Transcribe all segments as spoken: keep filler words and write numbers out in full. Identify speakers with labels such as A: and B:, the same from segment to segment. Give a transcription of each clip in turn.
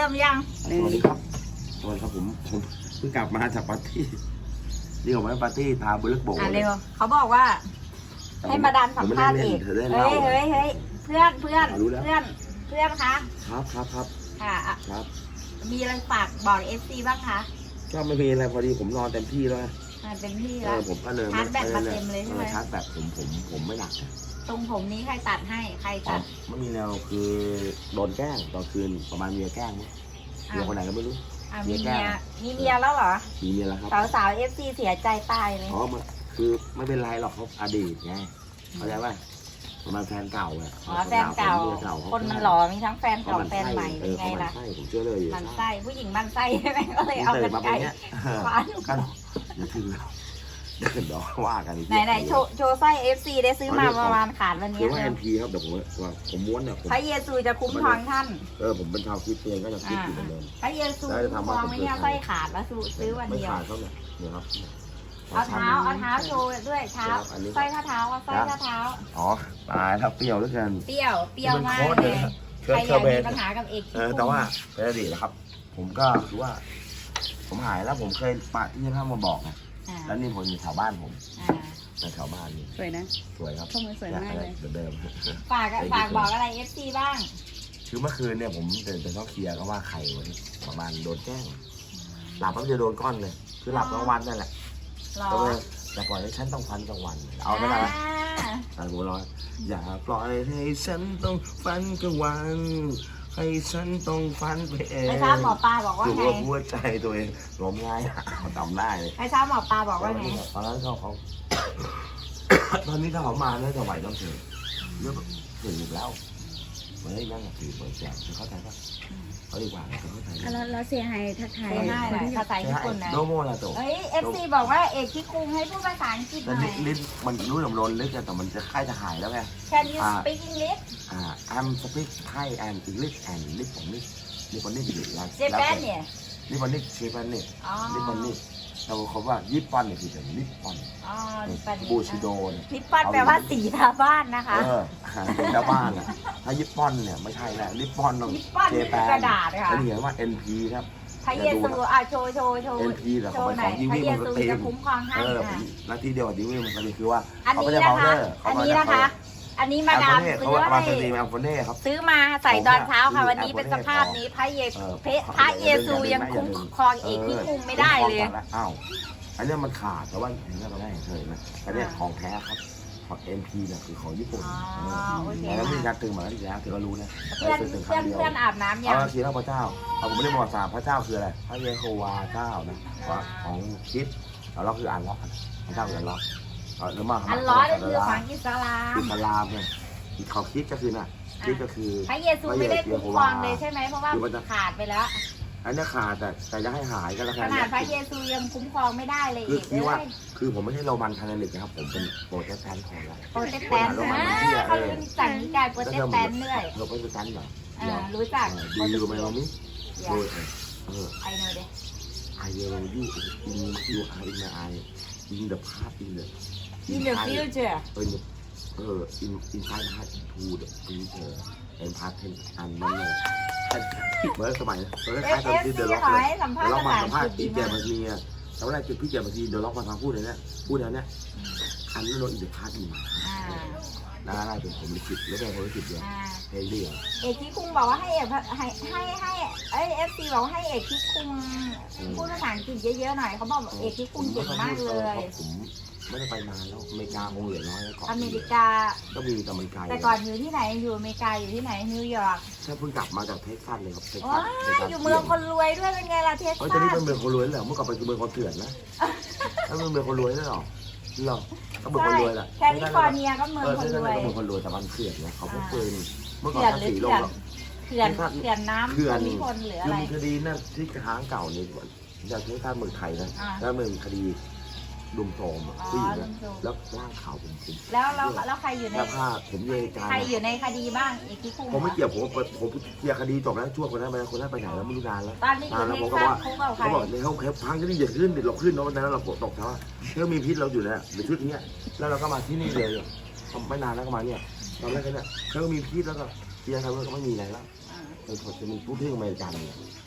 A: ริ่มยัง
B: สวัสดีครับสวัสดีครับผมผมเพิ่งกลับมาจากปาร์ตี้นี่ผมไปปาร์ตี้ทาบุลึกโบก
A: อ่ะเร็วเขาบอกว่า ให้มาดันสัมภาษณ์เอกเฮ้ยเฮ้ยเฮ้ยเพื่อนเพื่อนเพื่อนเพื่อนคะ
B: ครับครับครับ
A: ค่ะ
B: ครับ
A: มีอะไรฝากบอกเอฟซีบ้างคะ
B: ก็ไม่มีอะไรพอดีผมนอนเต็มที่แล้ว
A: เต็มที่แล้ว
B: ผมก็เลย
A: ชาร์จแบตมาเต็มเลยใช่ไหม
B: ชาร์จแบตผมผมผมไม่หนัก
A: ตรงผมนี้ใครตัดให้ใครตัด
B: ไม่มีแนวคือโดนแกล้งตอนคืนประมาณเมียแกล้งมั้ยเมียคนไหนก็ไม่รู้
A: มีเมียมีเมียแล้วเหรอ
B: มีเมียแล้วครับ
A: สาวสาวเอฟซีเสียใจตายเลย
B: อ๋อคือไม่เป็นไรหรอกเขาอดีตไงเข้าใจป่ะประมาณแฟนเก่าอ่ะ
A: อ๋อแฟนเก่าคนมันหล่อมีทั้งแฟนเก่าแฟนใหม่เป็นไงล่ะ
B: ใช่ผมเชื่อเลย
A: มันไส้ผู้หญิงมันไส้ใช่ไหมก็เลยเอากันไกล
B: คว้านกันเดี๋ยวถึงแล้วเดี๋ยวเดี๋ยวว่ากัน
A: ไหนไหนโชว์โชว์ไส้เอฟซีได้ซื้อมาประมาณขาดวันนี้
B: คือว่าเอ็นพีครับเดี๋ยวผมว่าผมม้วนเนี่ย
A: พระเยซูจะคุ้มครองท่าน
B: เออผมเป็นชาวคริสเตียนก็จะคิดอยู่เหมือนเดิม
A: พระเยซูคุ้มครองไม่เนี่ยไส้ขาดแล้วซื้อวันเดียว
B: ไม่ขาดเขาเนี่ยเดี๋ยวครับ
A: เอาเท้าเอาเท้าโชว์ด้วยเท้าสร้อยข้าเท้าว่าสร้อยข้าเท้า
B: อ๋อตายครับเปรี้ยวเหลือเกิน
A: เปรี้ยวเปรี้ยวมากเลยใครอยากมีปัญหากับเอก
B: เออแต่ว่าเป็นอดีตนะครับผมก็คือว่าผมหายแล้วผมเคยปะที่ท่านมาบอกนะแล้วนี่ผมอยู่แถวบ้านผมในแถวบ้านนี่
C: สวยนะ
B: สวยครับ
C: ข้อมือสวยมากเลย
B: เดิม
A: ฝากฝากบอกอะไรเอฟซีบ้าง
B: คือเมื่อคืนเนี่ยผมเดินไปเขาเคลียร์ก็ว่าใครวะประมาณโดนแกล้งหลับแล้วจะโดนก้อนเลยคือหลับกลางวันนั่นแหละก็เลยอย่าปล่อยให้ฉันต้องฟันกลางวันเอาได้ไหมอ่าผมรออย่าปล่อยให้ฉันต้องฟันกลางวันให้ฉันต้องฟันไปเอง
A: ไม่ทราบหมอปลาบอกว่าไง
B: ตัวหัวใจตัวเองล้มง่ายเขาจำได้เลย
A: ไม่ทราบหมอปลาบอกว่าไง
B: ตอนนั้นเขาเขาตอนนี้ถ้าเขามาแล้วจะไหวต้องเฉยเยอะถึงแล้วไม่ได้นั่งถือเปิดแจกเข้าใจป่ะเขาดีกว่าเขาเข้าใจ
C: แล้วแล้วเสียหายทักทาย
A: ง่ายเลยภาษาญี่ปุ่นนะ
B: โดโมลาโต
A: เฮ้ยเอฟซีบอกว่าเอกคิคุงให้พูดภาษาอังกฤษหน่อย
B: ลิ้นมันรู้ลำลนลึกแต่มันจะค่ายจะหายแล้วไง
A: Can you speak English
B: อ่า I'm speak Thai and English and Japanese Japanese อยู่แล้ว
A: Japan เนี่ย
B: Japanese Japanese Japanese เราเขาว่าญี่ปุ่นเนี่ยคือแบบญี่ปุ่น
A: อ๋อญี่ปุ่น
B: บูชิโดน
A: ญี่ปุ่นแปลว่าสีทาบ้านนะคะ
B: เออสีทาบ้านอ่ะถ้าญี่ปุ่นเนี่ยไม่ใช่แหละญี่ปุ่นต้อง
A: เจแปนกระดาษค่ะ
B: เขาเขียนว่า เอ็น พี ครับ
A: พระเยซูอ่ะโชว์โชว์โชว์
B: เอ็น พี แต่ของของดิวี่มันก็เต็ม
A: คุ้มครองท่าน
B: หน้าที่เดียวกับดิวี่มันก็คือว่า
A: อันนี้นะคะอันนี้นะคะอันนี้มาดามซื้อให้ซื้อมาใส่ตอนเช้าค่ะวันนี้เป็นสภาพนี้พระเยซูพระเยซูยังคุ้มครองเอกที่คุมไม่ได้เลย
B: อ้าวอันนี้มันขาดแต่ว่าอย่างนี้เราได้เคยนะอันนี้ของแท้ครับของ เอ็น พี เนี่ยคือของญี่ปุ่นแล้วมีการตึงมาที่แล้วเธอก็รู้นะ
A: เพื่อนเพื่อนเพื่อนอาบน้ำยัง
B: เอาคีร่าพระเจ้าเอาผมไม่ได้บอกสามพระเจ้าคืออะไรพระเยโฮวาเจ้านะของคริสต์เราล็อกคืออ่านล็อกพระเจ้าคืออ่านล็อกหรือมา
A: อันล็อกคือของอิสลาม
B: อิสลามเนี่ยเขาคริสต์ก็คือน่ะคริสต์ก็คือ
A: พระเยซูไม่ได้คุ้มครองเลยใช่ไหมเพราะว่าขาดไปแล้ว
B: อันนี้ขาดแต่แต่จะให้หายก็แล้วกัน
A: ขนาดพระเยซูยังคุ้มครองไม่ได้เลย
B: คือคือว่าคือผมไม่ใช่โรมันคาทอลิกนะครับผมเป็นโปรเตสแตนต์ของเรา
A: โปรเตสแตนต์นะเขาเป็นสั่งนิกายโปรเตสแตนต์เลย
B: เราโปรเตสแตนต์เหรอ
A: รู้จัก
B: ดูยูไหมเรามิโดยเออ
A: I know it
B: I know you in you are in my eye in the past in the
A: in the future
B: เออเออ in in time past to the future and past tense and mannerเมื่อสมัยเมื่อคล้ายตอนที่เดล็อกเลยเดล็อกมาสัมภาษณ์พี่แกมาทีเนี่ยแต่ว่าจุดพี่แกมาทีเดล็อกมาทางพูดเลยเนี่ยพูดแล้วเนี่ยอันนี้โดนอินเดพาร์ตอีกน่าได้เป็นผมลิขิตแล้วเป็นผมลิขิตเดียวเฮ้ยเดียว
A: เอกที่คุงบอกว่าให้เอกให้ให้ให้ไอเอฟซีบอกให้เอกที่คุงพูดภาษาอังกฤษเยอะๆหน่อยเขาบอกเอกที่คุงเก่งมากเลย
B: ไม่ได้ไปนานแล้วอเมริกาคงเหลือน้อยแล้วก่อน
A: อเมริกา
B: ก็มีแต่มันไกล
A: แต่ก่อนอยู่ที่ไหนอยู่อเมริกาอยู่ที่ไหนนิวยอร์ก
B: ใช่เพิ่งกลับมาจากเท็กซัสเลยครับเท็ก
A: ซัสอยู่เมืองคนรวยด้วยเป็นไงล่ะเท็กซัส
B: เฮ้ยตอนนี้เป็นเมืองคนรวยแล้วเมื่อก่อนเป็นเมืองคนเถื่อนนะแล้วเป็นเมืองคนรวยได้หรอหรอก็เมืองคนรวยแหละ
A: แคลิฟอร์เนียก็เมืองคนรวย
B: ก็เมืองคนรวยแต่มันเถื่อนนะเขาพกปืนเมื่อก่อนภาษีลงหรอ
A: เถื่อนเถื่อนน้ำเถื่อนมีคนหรืออะไร
B: มีคดีนั่นที่ค้างเก่าในจากเท็กซัสเมืองไทยนะแล้วเมืองคดีดุมโทมผู้หญิงแล้วร่างขาวผมผม
A: แล้วแล้วแล้วใครอยู่ใน
B: แล้วผ้าผมเยการ
A: ใครอยู่ในคดีบ้างอีกที่คุ้ม
B: ผมไม่เกี่ยวผมผมเคลียร์คดีจบแล้วช่วงคนนั้นไปคนนั้นไปไหนแล้วไม่รู้นานแล้ว
A: ตอนนี้อยู่ใน
B: เขาบอกเขาบอกในห้องแคปพังก็นี่อย่าขึ้นเดี๋ยวเราขึ้นเนาะวันนั้นเราตกเท้าเรื่องมีพิษเราอยู่แล้วหรือชุดนี้แล้วเราก็มาที่นี่เลยไม่นานแล้วก็มาเนี่ยตอนแรกเนี่ยเขามีพิษแล้วก็เคลียร์ทำเรื่องก็ไม่มีอะไรแล้วเป็นคนจะมีผู้ที่อเมริกันเนี่ย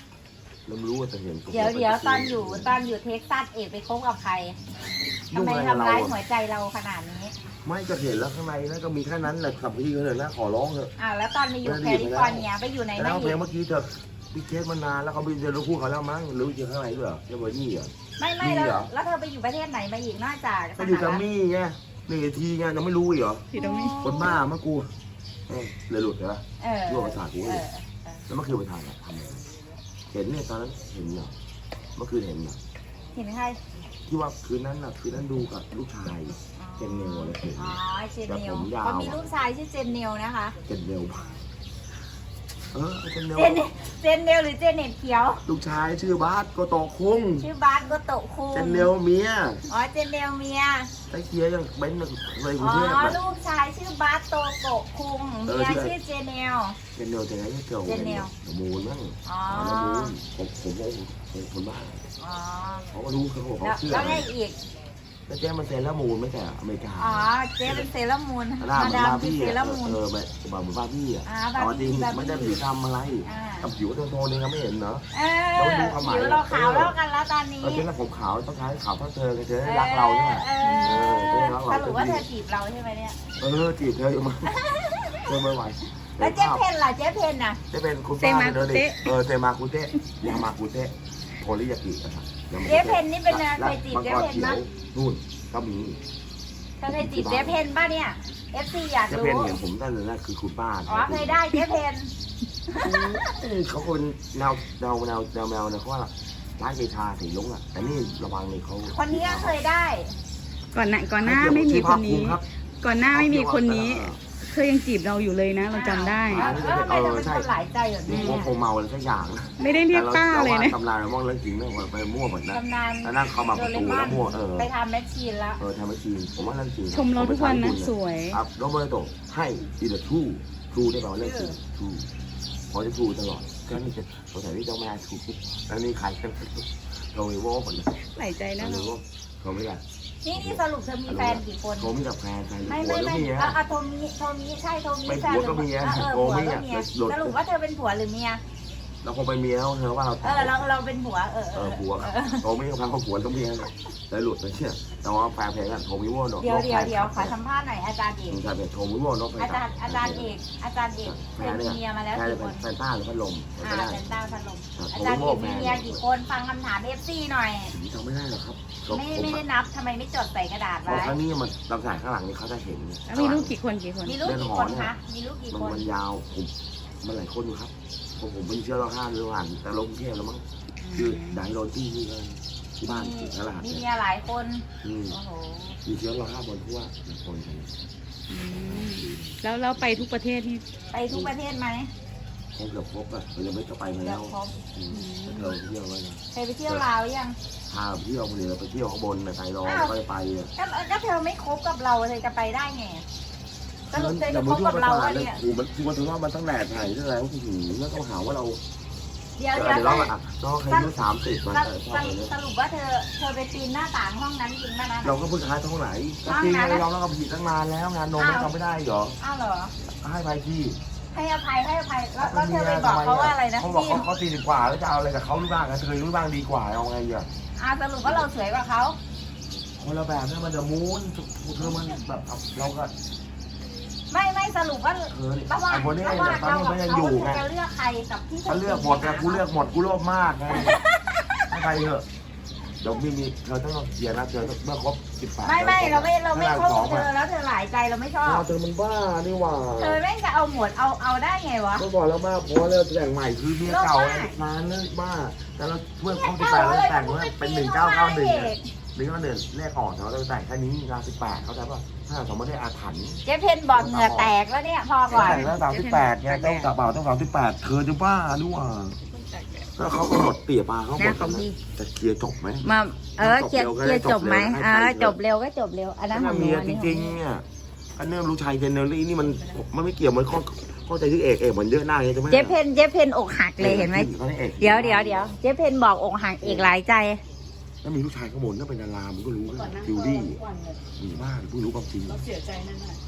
B: เราไม่รู้ว่าจะเห็น
A: เดี๋ยวเดี๋ยวตอนอยู่ตอนอยู่เท็กซัสเอกไปคบกับใครทำไมทำร้ายหัวใจเราขนาดนี้
B: ไม่ก็เห็นแล้วข้างในนั่นก็มีแค่นั้นแหละขับพี่เขาเลยนะขอร้องเถอะ
A: อ่าแล้วตอนไปอยู่แคลิฟอร์เนียไปอยู่ใน
B: แล้
A: นั้
B: วน เพลงเมื่อกี้เธอพี่เคสมานานแล้วเขาไปเจอลูกคู่เขาแล้วมั้งหรือเจอข้างในด้วยเหรอเจอเบอร์นี่เหรอ
A: ไม่ไม่แล้วแล้วเธอไปอยู่ประเทศไหนมาอีกนอกจาก
B: ก็อยู่กัมมี่ไงหนึ่งทีไงยังไม่รู้อีกเหรอ
C: อยู่ตรงนี้
B: คนบ้าเมื่อกูเออเลยหลุดเหรอ
A: เออ
B: รั่วประสาทกู
A: เอ
B: เลย
A: อ
B: แล้วเมื่อคืนไปทานอะทำอะไรเห็นเนี่ยตอนนั้นเห็นเหรอเมื่อคืนเห็นเหรอ
A: เห็นใคร
B: ที่ว่าคืนนั้นน่ะคืนนั้นดูกับลูกชายเจนเนลอะไรเห็น
A: อ๋อเจนเนล
B: แต่ผมยาว
A: เขามีลูกชายชื่อเจนเนลนะคะ
B: เจนเนลเออเจนเนล
A: เจนเจนเนลหรือเจนเน็ตเขียว
B: ลูกชายชื่อบาสโกโตะคุง
A: ชื่อบาสโกโตะคุง
B: เจนเนลเมีย
A: อ๋อเจนเนลเมีย
B: ไอ้เคียยังเบ้นเลยกรุ
A: อ๋
B: ง
A: อ
B: เทพอะ
A: ลูกชายชื่อบาสโตโกะคุง
B: เออ
A: เมีย
B: ชื่อ
A: ชื่อเจเนล
B: เจนเนลจะไหนเกี่ยว
A: เจนเนล
B: มูลมั้ง
A: อ๋อ
B: อ๋อมูลผมผมผมคนบ้า
A: อ๋อ
B: เขาก็รู้เขาบอก
A: แล้ว
B: เขาเชื่อ
A: แล้วไงอีก
B: แล้วแจ้งมันเซนแล้วมูลไม่ใช่อเมริกา
A: อ๋อเจ๊เป็นเซเลอรามูน
B: หน้า
A: มา
B: เหมือน
A: ดาม
B: บาร์
A: คือ
B: บี้
A: เซ
B: อะ
A: เลอรามูน
B: เออแบบแบบเหมือนบาร์บี้อะ
A: อ่า
B: แต่ว่าจริง
A: บาร์บี้
B: ไม่ได้ผิวทำอะไร
A: อ่า
B: กับผิวโทนๆเองก็ไม่เห็นเนาะ
A: เอ
B: เรา
A: อ
B: ดูความหมาย
A: ผิวเราขาวแล้วกันแล้วตอนนี้
B: เออเจ๊แล้วผมขาวต้องใช้ขาวเท่าเธอเธอรักเราใช่ไหม
A: เอ
B: เออเจ๊รัก
A: อ
B: เรา
A: สรุปว่าเธอจีบเราใช่ไหมเนี่ย
B: เออจีบเธออยู่มั้งเธอไม่ไหว
A: แล้วเจ๊เพนล่ะเจ๊เพนน่ะ
B: จะเป็นคุณป้าเดินดิเออเซมาคุเตะยามาคุเตะโทริยากินะครับ
A: เจ๊เพนนี่เป็นอะไรเคยจีบเจ๊เพน
B: มั้
A: มั้ย
B: นู่นก็มี
A: เธอเคยจีบเจ๊เพนป่ะเนี่ย เอฟซีอยาก
B: เจ๊
A: รู้
B: เพนเห็นผมตั้งแต่แรกคือคุณป้า
A: อ๋อเคยได้เจ๊เพน
B: เขาเป็นแนวแนวแนวแนวแนวนะเขาว่าร้านเกชาสีลุงอ่ะแต่นี่ระวังเลยเขา
A: คนนี้ก็เคยได้
C: ก่อนหน้าก่อนหน้าไม่มีคนนี้ ก่อนหน้าไม่มีคนนี้เธอยังจีบเราอยู่เลยนะ เราจำได้
A: แล้วทำไมเธอเป็นคนหลายใจแบบนี้
B: คงคงเมาอะไรสักอย่าง
C: ไม่ได้เรียกป้าเลยนะ
B: ตำนานเรามองเรื่องจริงเรื่องไปมั่วหมดนะ
A: ตำนาน
B: แล้วนั่งเข้ามาประตูแล้วมั่วเออ
A: ไปทำแมชชีนแล้ว
B: เออทำไม่จริงผมว่าเรื่องจริง
C: ชมเราทุกวันนะสวย
B: ครับโรเบิร์โตให้ดีเดอร์ทูทูได้เปล่าเรื่องจริงทูพอจะทูตลอดก็นี่จะสงสัยที่เจ้าแม่ทูแล้วนี่ใครกันโรเวอร์หมดเลย
C: หลายใจนะ
B: โรเวอร์โทรไม่ได้
A: นี่นี่สรุปเธอมีแฟนกี่คน
B: โทรไม่กับแฟนแฟน
A: ไม่
B: ผัว
A: ไม่
B: แล้ว
A: ไม่
B: เมีย
A: เอาเอาโทมิโทมิใช่โทมิ
B: เป็น
A: แฟน
B: ผัวก็เมีย
A: เออเออ
B: โท
A: ผัว
B: มิ
A: ก็
B: อ่ะ
A: เมีย
B: หลุด
A: สรุปว่าเธอเป็นผัวหรือเมีย
B: เราคงไปเมียแล้วเธอว่าเรา
A: เออเราเราเป็นผัวเออ
B: เออผัวโทรไม่กับแฟนเขาผัวต้องเมียเลยหลุดไปเชี่ยแต่ว่าแฟนเพลงอ่ะโทรมิโว่เนาะ
A: เดี๋ยวเดี๋ยวเดี๋ยวขอสัมภาษณ์หน่อยอาจารย์เอก
B: ใช่เป็นโทรมิโว่เนาะ
A: อาจารย์อาจารย์เอกอาจารย์เอกเคยมีเมียมาแล้ว
B: ใช่
A: กี่
B: เป็
A: คน น
B: แฟนต้าหรือพัดลม
A: อ่า
B: ก็ได้
A: เป็นต้าพัดลม
B: อ่า
A: อาจารย์เอกมีเมียกี่คนฟังคำถามเอฟซีหน่อย
B: ผมจำไม่ได้หรอกครับ
A: ไม่ไม่ได้นับทำไมไม่จดใส่กระดาษ
B: เพราะ
A: ไว้
B: ครั้งนี้มันลำสายข้างหลังนี่เขาจะเห็น
C: แล้วมีลูกกี่คนกี่คน
A: มีลูกกี่คนคะมีลูกกี่
B: มัน
A: คน
B: มันยาวผมมันหลายคนอยู่ครับผมผมเป็นเชื้อโรคห้าหรือผ่านแต่ลงเทพแล้วมั้งคือด่างโดนที่ที่เลยที่บ้าน
A: มี
B: ที่รหัส
A: มี
B: เนี่ย
A: เมียหลายคน
B: อืม
A: โอ้โห
B: มีเชื้อโรคห้าบนทั่วคนกัน
C: อืมแล้วเราไปทุกประเทศนี่
A: ไปทุกประเทศไหม
B: คงเกือบครบอ่ะเรายังไม่จะไปมา
A: เกื
B: แล้
A: อบ
B: ว
A: ครบ
B: อืมเราเที่ยวไว้นะ
A: เคยไปเที่ยวลาวยัง
B: พาเที่ยวคนเดียวไปเที่ยวข้างบนในไทยรองก็ไปอ่ะ
A: ก็ก็เธอไม่คบกับเราเธอจะไปได้ไงสรุปเธอจะคบกับเราอะเนี่ย
B: โอ้มันคือมันถึงว่ามันตั้งแดดไทยตั้งแล้วถึงแล้วก็หาว่าเรา
A: เดี๋ยว
B: เดี๋
A: เดี๋
B: ย
A: ยว ว
B: เราอ่ะน้องเคยอายุสามสิบมัน
A: ส
B: ช
A: รุป
B: อบเลย
A: สรุปว่าเธอเธอไปปีนหน้าต่างห้องนั้นจริงป่ะนะ
B: เราก็เพิ่งค้ายท้องไหนก็จริงเลยเราแล้วก็ผิดตั้งนานแล้วงานนมมันทำไม่ได้เหรอ
A: อ้าวเหรอ
B: ให้ไปที่
A: ให้อภัยให้อภัยแล้วแล้วเธอไปบอกเขาว่าอะไรนะ
B: เขาบอก
A: พี่
B: เขาเขาสี่สิบกว่าแล้วจะเอาอะไรกับเขารู้บ้างเธอรู้บ้างดีกว่าเอาไงอ่ะ
A: อ่าสรุปว่าเราสวยกว่าเขา
B: คนละแบบเนี่ยมันจะมูนเธอมันแบบเราก็
A: ไม่ไม่สรุปว่า
B: เธอ
A: ระหว่าง
B: ไอ้คนนี้
A: ระหว่าง
B: ตอน
A: เรา
B: นี้
A: กับ
B: มันยัง
A: เขา
B: อยู่
A: เธ
B: ไง
A: อจะเลือกใครกับที่เธ
B: เขา
A: อ
B: เลือกหมดไงกูเลือกหมดกูโลภมากไงให้ไปเถอะเดี๋ยวมีมีเธอต้องเคลียร์นะเธอเมื่อครบสิบแปด
A: ไม่ไม่เราไม่เราไม่คบกับเธอแล้วเธอหลายใจเราไม่ชอบ
B: เธอมันบ้านี่หว่า
A: เธอแม่งจะเอาหมดเอาเอาได้ไงวะ
B: เมื่อก่อนเราบ้าเพราะเราแต่งใหม่คือเมียเก่านานเลิกบ้าแต่เราเมื่อครบสิบแปดเราแต่งว่าเป็นหนึ่งเก้าเก้าหนึ่งหนึ่งเก้าหนึ่งเลขออกเราแต่งแค่นี้งานสิบแปดเขาใจป่ะถ้าสมมติได้อาถรรพ์
A: เจ๊เพนบอกเหงื่อแตกแล้วเนี่ยพอก่อน
B: แต่งแล้วสามสิบแปดไงต้องกระเป๋าต้องสามสิบแปดเธอจะบ้าด้วยว่าแล้วเขาก็หมดเตี่ยปลาเขาหมดจะเคลียร์จบไหม
C: มาเออเคลียร์เคลียร์จบไหมเออจบเร็วก็จบเร็วอันนั้นของหนู
B: เมีย
C: อัน
B: จ
C: นี้
B: ริงๆเนี่ยอันเนื่องรู้ชายเจเนอรี่นี่มันมันไม่เกี่ยวมันข้อข้อใจที่เอกเอกมันเยอะหน้าไงใช่ไหม
C: เจ๊เพนเจ๊เพนอกหักเลยเห็นไหมเดี๋ยวเดี๋ยวเดี๋ยวเจ๊เพนบอกอกหักอีกหลายใจ
B: ถ้ามีลูกชายข้างบนถ้าเป็นดารามันก็รู้นะฟิวดี้หรือว่าเพิ่งรู้ความจริง
C: เสียใจนั่นแหละ